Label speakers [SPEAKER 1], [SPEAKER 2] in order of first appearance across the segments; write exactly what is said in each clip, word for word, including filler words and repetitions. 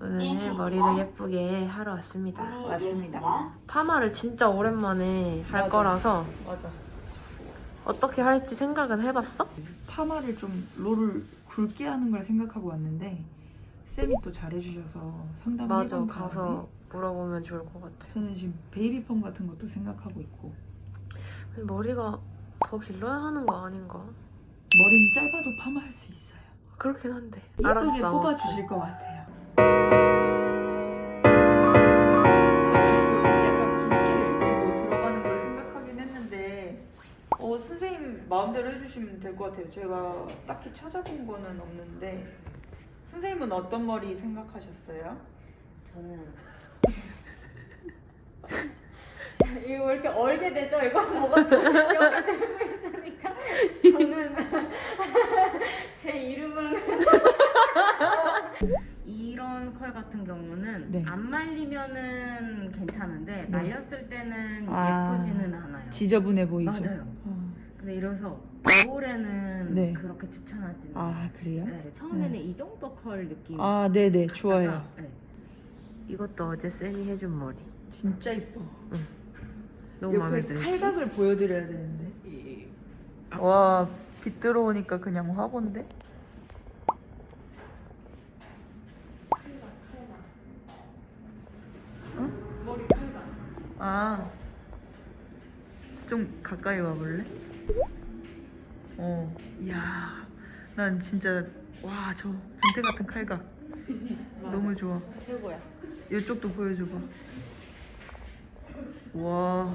[SPEAKER 1] 오늘 머리를 예쁘게 하러 왔습니다.
[SPEAKER 2] 맞습니다.
[SPEAKER 1] 파마를 진짜 오랜만에 할
[SPEAKER 2] 맞아.
[SPEAKER 1] 거라서
[SPEAKER 2] 맞아.
[SPEAKER 1] 어떻게 할지 생각은 해봤어?
[SPEAKER 2] 파마를 좀 롤을 굵게 하는 걸 생각하고 왔는데 쌤이 또 잘해주셔서 상담을
[SPEAKER 1] 맞아,
[SPEAKER 2] 해본
[SPEAKER 1] 가서
[SPEAKER 2] 다음에
[SPEAKER 1] 물어보면 좋을 것 같아.
[SPEAKER 2] 저는 지금 베이비 펌 같은 것도 생각하고 있고
[SPEAKER 1] 근데 머리가 더 길러야 하는 거 아닌가?
[SPEAKER 2] 머리는 짧아도 파마할 수 있어요.
[SPEAKER 1] 그렇긴 한데.
[SPEAKER 2] 예쁘게
[SPEAKER 1] 알았어.
[SPEAKER 2] 뽑아주실 것 같아요. 저는 약간 굵게 이렇게 들어가는 걸 생각하긴 했는데 어, 선생님 마음대로 해주시면 될 것 같아요. 제가 딱히 찾아본 거는 없는데 선생님은 어떤 머리 생각하셨어요?
[SPEAKER 3] 저는 이거 왜 이렇게 얼게 되죠? 이거 뭐가 좀 이렇게 들고 있으니까 저는 제 이름은 이런 컬 같은 경우는
[SPEAKER 2] 네.
[SPEAKER 3] 안 말리면은 괜찮은데
[SPEAKER 2] 네.
[SPEAKER 3] 말렸을 때는
[SPEAKER 2] 아,
[SPEAKER 3] 예쁘지는 않아요.
[SPEAKER 2] 지저분해 보이죠?
[SPEAKER 3] 맞아요.
[SPEAKER 2] 어.
[SPEAKER 3] 근데 이래서 겨울에는
[SPEAKER 2] 네.
[SPEAKER 3] 그렇게 추천하지는
[SPEAKER 2] 아
[SPEAKER 3] 않아요.
[SPEAKER 2] 그래요?
[SPEAKER 3] 네, 처음에는
[SPEAKER 2] 네.
[SPEAKER 3] 이 정도 컬 느낌.
[SPEAKER 2] 아 네네 좋아요.
[SPEAKER 3] 네.
[SPEAKER 1] 이것도 어제 쌤이 해준 머리.
[SPEAKER 2] 진짜 이뻐.
[SPEAKER 1] 너무 마음에
[SPEAKER 2] 옆에
[SPEAKER 1] 들지?
[SPEAKER 2] 칼각을 보여드려야 되는데. 와, 빛 들어오니까 그냥 화본데? 응?
[SPEAKER 3] 머리 칼각.
[SPEAKER 2] 아, 좀 가까이 와볼래? 어, 이야, 난 진짜 와, 저 변태 같은 칼각 너무 좋아.
[SPEAKER 3] 최고야.
[SPEAKER 2] 이쪽도 보여줘봐. 와.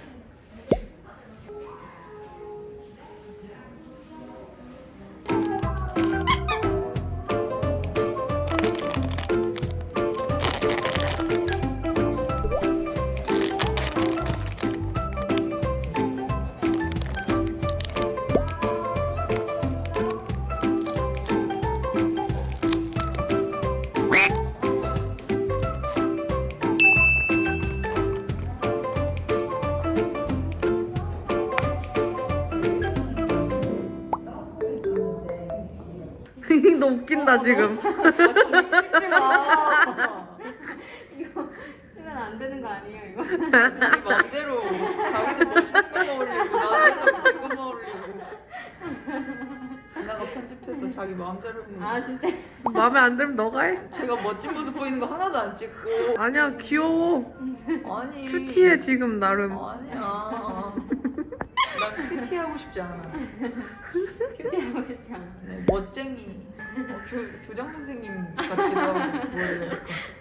[SPEAKER 1] 너 웃긴다 지금.
[SPEAKER 2] 찍지 마.
[SPEAKER 3] 이거 쓰면 안 되는 거 아니에요, 이거?
[SPEAKER 2] 자기 맘대로 자기는 멋있는 거만 올리고 나는 웃긴 거만 올리고 지나가 편집해서 자기 마음대로 해.
[SPEAKER 3] 아, 진짜?
[SPEAKER 1] 마음에 안 들면 너가 해.
[SPEAKER 2] 제가 멋진 모습 보이는 거 하나도 안 찍고.
[SPEAKER 1] 아니야, 귀여워.
[SPEAKER 2] 아니
[SPEAKER 1] 큐티해 지금 나름.
[SPEAKER 2] 아니야 난 큐티 하고 싶지 않아.
[SPEAKER 3] 큐티하고 싶지 않아.
[SPEAKER 2] 네, 멋쟁이 어, 교, 교장 선생님 같기도 하고 뭐예요.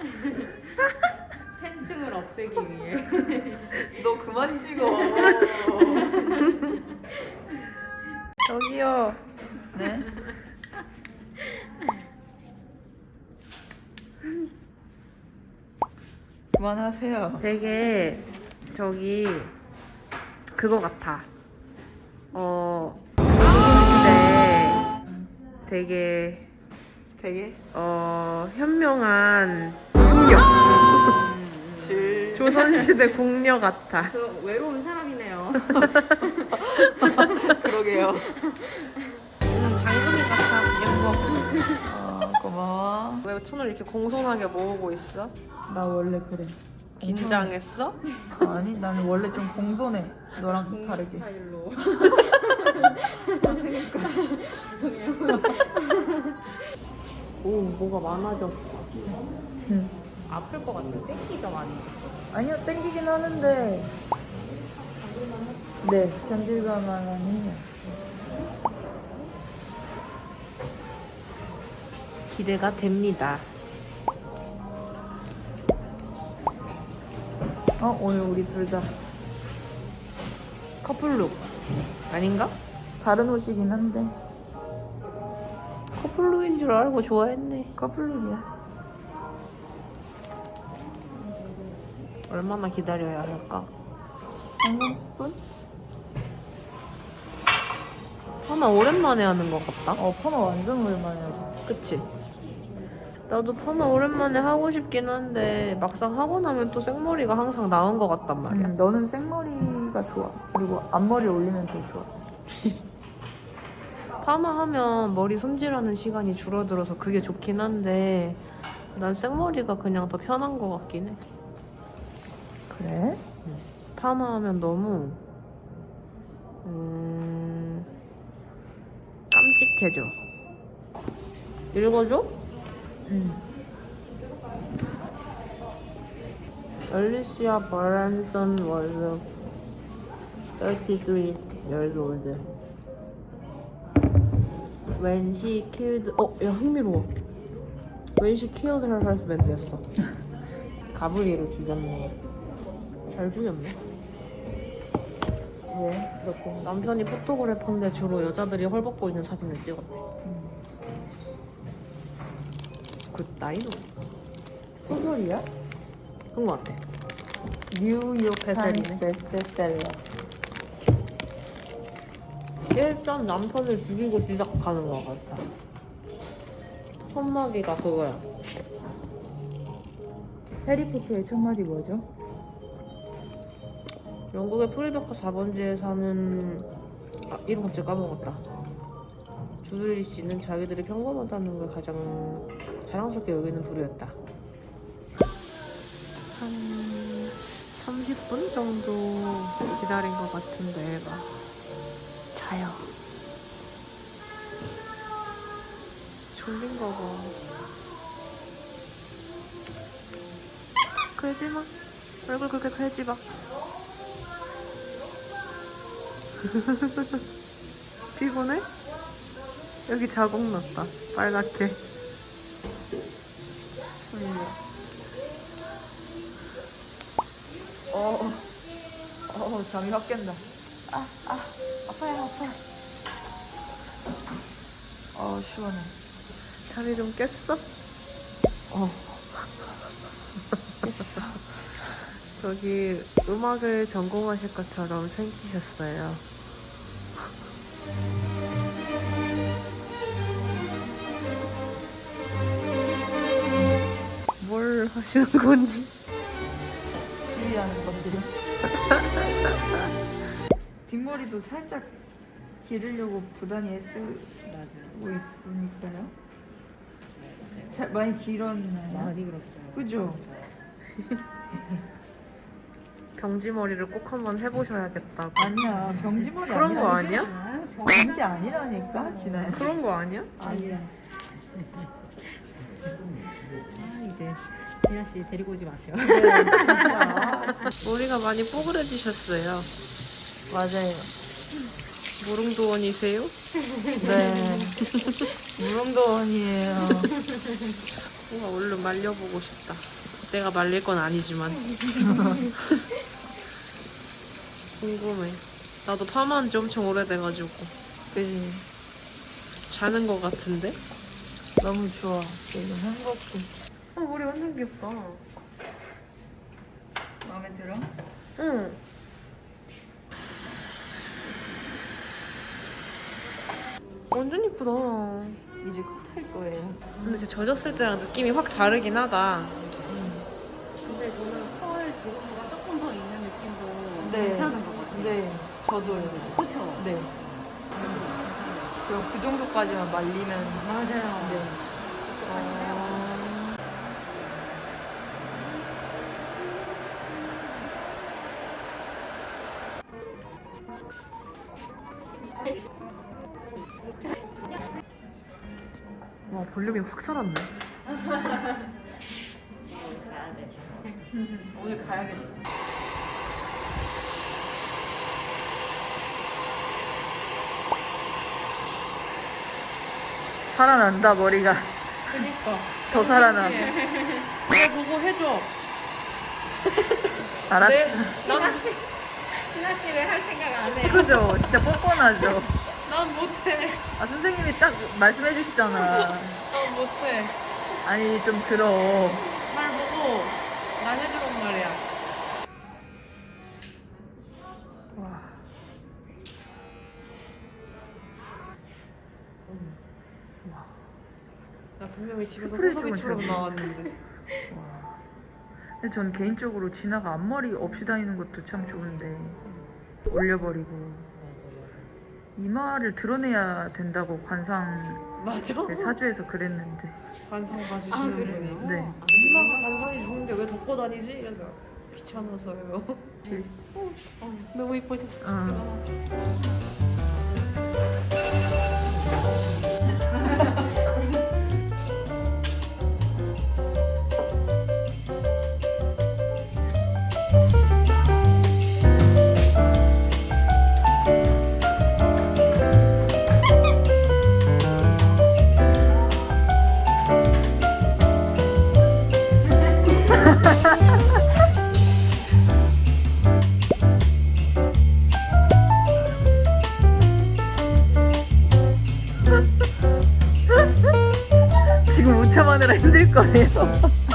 [SPEAKER 3] 팬층을 없애기 위해.
[SPEAKER 2] 너 그만 찍어.
[SPEAKER 1] 저기요.
[SPEAKER 2] 네? 그만하세요.
[SPEAKER 1] 되게 저기 그거 같아. 어 조선시대 되게
[SPEAKER 2] 되게
[SPEAKER 1] 어 현명한 궁녀.
[SPEAKER 2] 질
[SPEAKER 1] 조선시대 궁녀 같아.
[SPEAKER 3] 저 외로운 사람이네요.
[SPEAKER 2] 그러게요.
[SPEAKER 1] 음, 장금이 같아. 예뻐.
[SPEAKER 2] 어, 고마워.
[SPEAKER 1] 왜 손을 이렇게 공손하게 모으고 있어?
[SPEAKER 2] 나 원래 그래.
[SPEAKER 1] 긴장했어?
[SPEAKER 2] 공손- 아니 나는 원래 좀 공손해. 너랑
[SPEAKER 3] 국민
[SPEAKER 2] 다르게.
[SPEAKER 3] 스타일로.
[SPEAKER 2] 선생님까지.
[SPEAKER 3] 죄송해요.
[SPEAKER 1] 오, 뭐가 많아졌어.
[SPEAKER 2] 응.
[SPEAKER 3] 아플 것 같아. 땡기죠, 많이.
[SPEAKER 2] 아니요 땡기긴 하는데. 네 견딜만은 해요.
[SPEAKER 1] 기대가 됩니다.
[SPEAKER 2] 어 오늘 우리 둘 다
[SPEAKER 1] 커플룩 아닌가?
[SPEAKER 2] 다른 옷이긴 한데
[SPEAKER 1] 커플룩인 줄 알고 좋아했네.
[SPEAKER 2] 커플룩이야.
[SPEAKER 1] 얼마나 기다려야 할까?
[SPEAKER 2] 한 삼십 분?
[SPEAKER 1] 파마 오랜만에 하는 것 같다.
[SPEAKER 2] 어 파마 완전 오랜만에 하고.
[SPEAKER 1] 그치? 나도 파마 오랜만에 하고 싶긴 한데 막상 하고 나면 또 생머리가 항상 나은 것 같단 말이야.
[SPEAKER 2] 음, 너는 생머리가 좋아. 그리고 앞머리 올리면 더 좋아.
[SPEAKER 1] 파마하면 머리 손질하는 시간이 줄어들어서 그게 좋긴 한데 난 생머리가 그냥 더 편한 것 같긴 해.
[SPEAKER 2] 그래?
[SPEAKER 1] 파마하면 너무 음... 깜찍해져. 읽어줘?
[SPEAKER 2] 응.
[SPEAKER 1] Alicia Branson was thirty-three years old when she killed. 어, 야 흥미로워. When she killed her husband였어. 가브리엘을 죽였네. 잘 죽였네.
[SPEAKER 2] 왜? 그렇고.
[SPEAKER 1] 남편이 포토그래퍼인데 주로 여자들이 헐벗고 있는 사진을 찍었대. 굿나이노.
[SPEAKER 2] 소설이야?
[SPEAKER 1] 그런 것 같아. 뉴욕 베셀이네.
[SPEAKER 2] 베스트셀러.
[SPEAKER 1] 일단 남편을 죽이고 시작하는 것 같아. 첫마디가 그거야.
[SPEAKER 2] 해리포터의 첫 마디 뭐죠?
[SPEAKER 1] 영국의 프리베카 사 번지에 사는 아 이름 갑자기 까먹었다. 주들리 씨는 자기들이 평범하다는 걸 가장 자랑스럽게 여기는 부류였다. 한 삼십 분 정도 기다린 것 같은데 애가 자요. 졸린가 봐. 그러지 마. 얼굴 그렇게 그러지 마. 피곤해? 여기 자국 났다. 빨갛게.
[SPEAKER 2] 어, 어, 잠이 확 깬다. 아, 아, 아파요, 아파요. 어, 시원해.
[SPEAKER 1] 잠이 좀 깼어?
[SPEAKER 2] 어,
[SPEAKER 1] 저기 음악을 전공하실 것처럼 생기셨어요. 뭘 하시는 건지.
[SPEAKER 2] 지휘하는 건데요. 뒷머리도 살짝 기르려고 부단히 애쓰고 있으니까요. 잘 많이 길었나요?
[SPEAKER 3] 많이 그렇어요.
[SPEAKER 2] 그죠?
[SPEAKER 1] 병지머리를 꼭 한번 해보셔야겠다고.
[SPEAKER 2] 아니야, 병지머리
[SPEAKER 1] 그런 거
[SPEAKER 2] 아니야?
[SPEAKER 1] 아니야?
[SPEAKER 2] 병지 아니라니까, 진아야.
[SPEAKER 1] 그런 거 아니야?
[SPEAKER 2] 아니야.
[SPEAKER 3] 아 이제 진아 씨 데리고 오지 마세요.
[SPEAKER 2] 네, 진짜.
[SPEAKER 1] 머리가 많이 뽀글해지셨어요.
[SPEAKER 2] 맞아요.
[SPEAKER 1] 무릉도원이세요?
[SPEAKER 2] 네. 무릉도원이에요.
[SPEAKER 1] 뭔가 얼른 말려보고 싶다. 내가 말릴 건 아니지만. 궁금해. 나도 파마한 지 엄청 오래돼가지고.
[SPEAKER 2] 그지?
[SPEAKER 1] 자는 거 같은데?
[SPEAKER 2] 너무 좋아. 지금 행복해.
[SPEAKER 1] 어, 머리 완전 귀엽다.
[SPEAKER 2] 마음에 들어?
[SPEAKER 1] 응. 완전 이쁘다.
[SPEAKER 2] 이제 컷할 거예요.
[SPEAKER 1] 근데 진짜 젖었을 때랑 느낌이 확 다르긴 하다.
[SPEAKER 3] 근데 저는 펄 지금보다 조금 더 있는 느낌도
[SPEAKER 2] 네.
[SPEAKER 3] 괜찮은 것 같아요.
[SPEAKER 2] 네, 저도요.
[SPEAKER 3] 그렇죠.
[SPEAKER 2] 네. 그리고 그 정도까지만 말리면
[SPEAKER 3] 맞아요.
[SPEAKER 2] 네.
[SPEAKER 1] 어... 와, 볼륨이 확 살았네.
[SPEAKER 2] 오늘 가야겠다. 살아난다 머리가.
[SPEAKER 1] 그니까.
[SPEAKER 2] 더 살아나.
[SPEAKER 1] 내 보고 해줘.
[SPEAKER 2] 알았.
[SPEAKER 1] 네, 난,
[SPEAKER 3] 진아 씨 왜 할 생각 안 해요?
[SPEAKER 2] 그죠? 진짜 뻔뻔하죠.
[SPEAKER 1] 난 못해.
[SPEAKER 2] 아 선생님이 딱 말씀해 주시잖아.
[SPEAKER 1] 난 못해.
[SPEAKER 2] 아니 좀 들어.
[SPEAKER 1] 잘 보고 나 해주란 말이야.
[SPEAKER 2] 와.
[SPEAKER 1] 나 분명히 집에서
[SPEAKER 2] 스프레이
[SPEAKER 1] 호섭이처럼
[SPEAKER 2] 좀
[SPEAKER 1] 나왔는데.
[SPEAKER 2] 와. 근데 전 개인적으로 진아가 앞머리 없이 다니는 것도 참 좋은데 올려버리고 이마를 드러내야 된다고 관상
[SPEAKER 1] 맞아?
[SPEAKER 2] 네, 사주에서 그랬는데.
[SPEAKER 1] 관상 봐주시는
[SPEAKER 3] 아,
[SPEAKER 1] 분이.
[SPEAKER 3] 그래요?
[SPEAKER 2] 네.
[SPEAKER 3] 아,
[SPEAKER 1] 엄마가 관상이 좋은데 왜 덮고 다니지? 이래서 귀찮아서요. 어, 너무 이쁘셨어.
[SPEAKER 2] 아. 지금 웃참하느라 힘들 거예요.